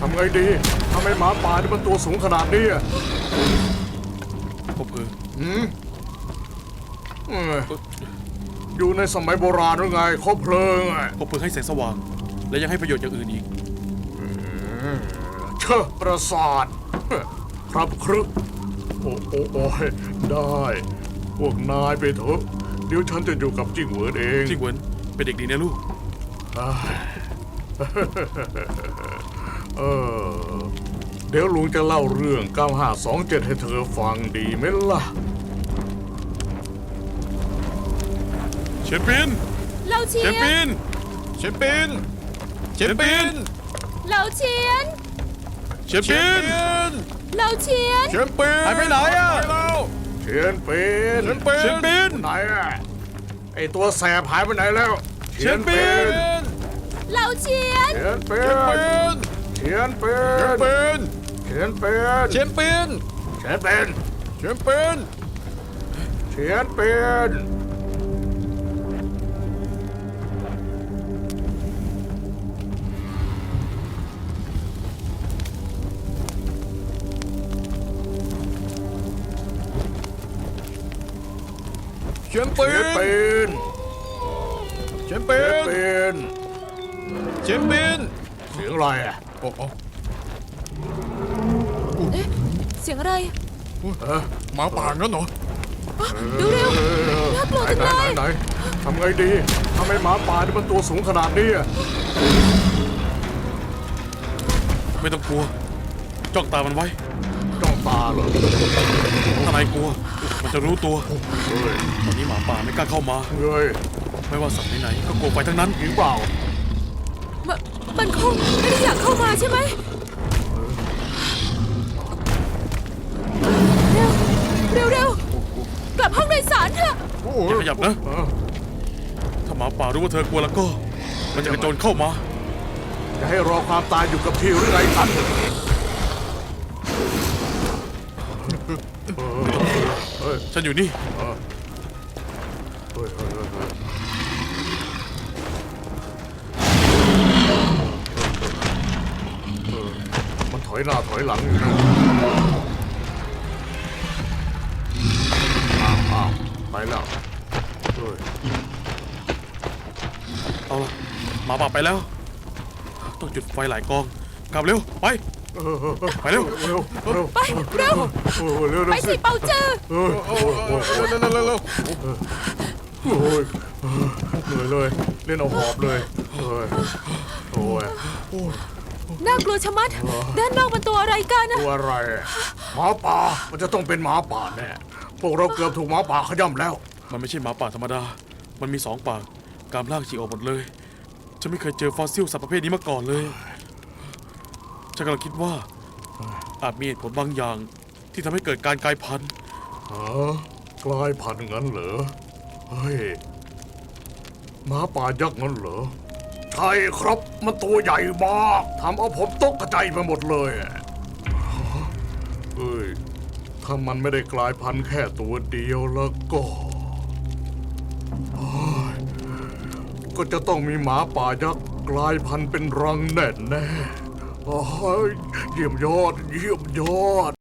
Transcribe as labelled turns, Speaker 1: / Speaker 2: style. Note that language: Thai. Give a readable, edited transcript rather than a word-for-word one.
Speaker 1: ำไงดีทำไมหมาป่านี่มันตัวสูงขนาดนี้
Speaker 2: พบเพลิง
Speaker 1: อยู่ในสมัยโบราณหรือไงคบเพลิง
Speaker 2: พบเพลิงให้แสงสว่าง และยังให้ประโยชน์อย่างอื่นอีก
Speaker 1: เชอะประสาทครับครึกโอ้ยได้พวกนายไปเถอะเดี๋ยวฉันจะอยู่กับจิ้งเหวินเอง
Speaker 2: จิ้งเหวินเป็นเด็กดีนะลูก
Speaker 1: เดี๋ยวลุงจะเล่าเรื่อง9527ให้เธอฟังดีไหมล่ะ
Speaker 2: เชนปิน
Speaker 3: เราเชียน
Speaker 2: เชนปิน
Speaker 3: เราเชียนเราเชียน
Speaker 2: หายไปไหนอ่ะ
Speaker 1: เชียนปินไหนอ่ะไอตัวแสบหายไปไหนแล้ว
Speaker 2: เชียนปิน
Speaker 3: เราเชียน
Speaker 1: เชียนปินเชียนปินเชียนปิน
Speaker 2: เชียนปิน
Speaker 1: เชียนปิน
Speaker 2: เชียนปิน
Speaker 1: เชียนปิน
Speaker 2: เชียนปินเชียนปินเชียนปิน
Speaker 1: เสียงอะไรอ่ะ
Speaker 2: โอ้
Speaker 3: เอ๊ะเสียงอะไร
Speaker 2: หมาป่างั้นเหรอ
Speaker 3: ดูเร็วน่ากลัวจังเลย
Speaker 1: ไหนทำไงดีทำไมหมาป่านี่มันตัวสูงขนาดนี้
Speaker 2: ไม่ต้องกลัวจ้องตามันไว้
Speaker 1: จ้องตาเหรอ
Speaker 2: ถ้านายกลัวมันจะรู้ตัวตอนนี้หมาป่าไม่กล้าเข้ามาไม่ว่าสัตว์ไหนๆก็กลัวไฟทั้งนั้น
Speaker 1: จริงเปล่า
Speaker 3: มันคงไม่ได้อยากเข้ามาใช่ไหมเร็วกลับห้องโดยสารเถอะ
Speaker 2: อย่าขยับนะถ้าหมาป่ารู้ว่าเธอกลัวแล้วก็มันจะกระโจนเข้ามา
Speaker 1: จะให้รอความตายอยู่กับที่หรือไงท่าน
Speaker 2: ฉันอยู่นี่
Speaker 1: มันถอยหน้าถอยหลังอยู่นะไปแล้ว
Speaker 2: เอาละหมาป่าไปแล้วต้องจุดไฟหลายกองกลับเร็วไปเร็ว
Speaker 3: ไปเร็วไปสิเปาจือ
Speaker 1: เหนื่อยเลยเล่นเอาหอบเลยโอ้ย
Speaker 3: น่ากลัวชะมัดด้านนอกมันตัวอะไรกันนะ
Speaker 1: ตัวอะไรหมาป่ามันจะต้องเป็นหมาป่าแน่พวกเราเกือบถูกหมาป่าขย่ำแล้ว
Speaker 2: มันไม่ใช่หมาป่าธรรมดามันมี2 ปากกรามล่างฉีกออกหมดเลยฉันไม่เคยเจอฟอสซิลสัตว์ประเภทนี้มาก่อนเลยฉันกำลังคิดว่าอาจมีเหตุผลบางอย่างที่ทำให้เกิดการกลายพันธุ์
Speaker 1: กลายพันธุ์งั้นเหรอเฮ้ยหมาป่ายักษ์งั้นเหรอใช่ครับมันตัวใหญ่มากทำเอาผมตกใจไปหมดเลยเฮ้ยถ้ามันไม่ได้กลายพันธุ์แค่ตัวเดียวแล้วก็จะต้องมีหมาป่ายักษ์กลายพันธุ์เป็นรังแน่ๆเยี่ยมยอด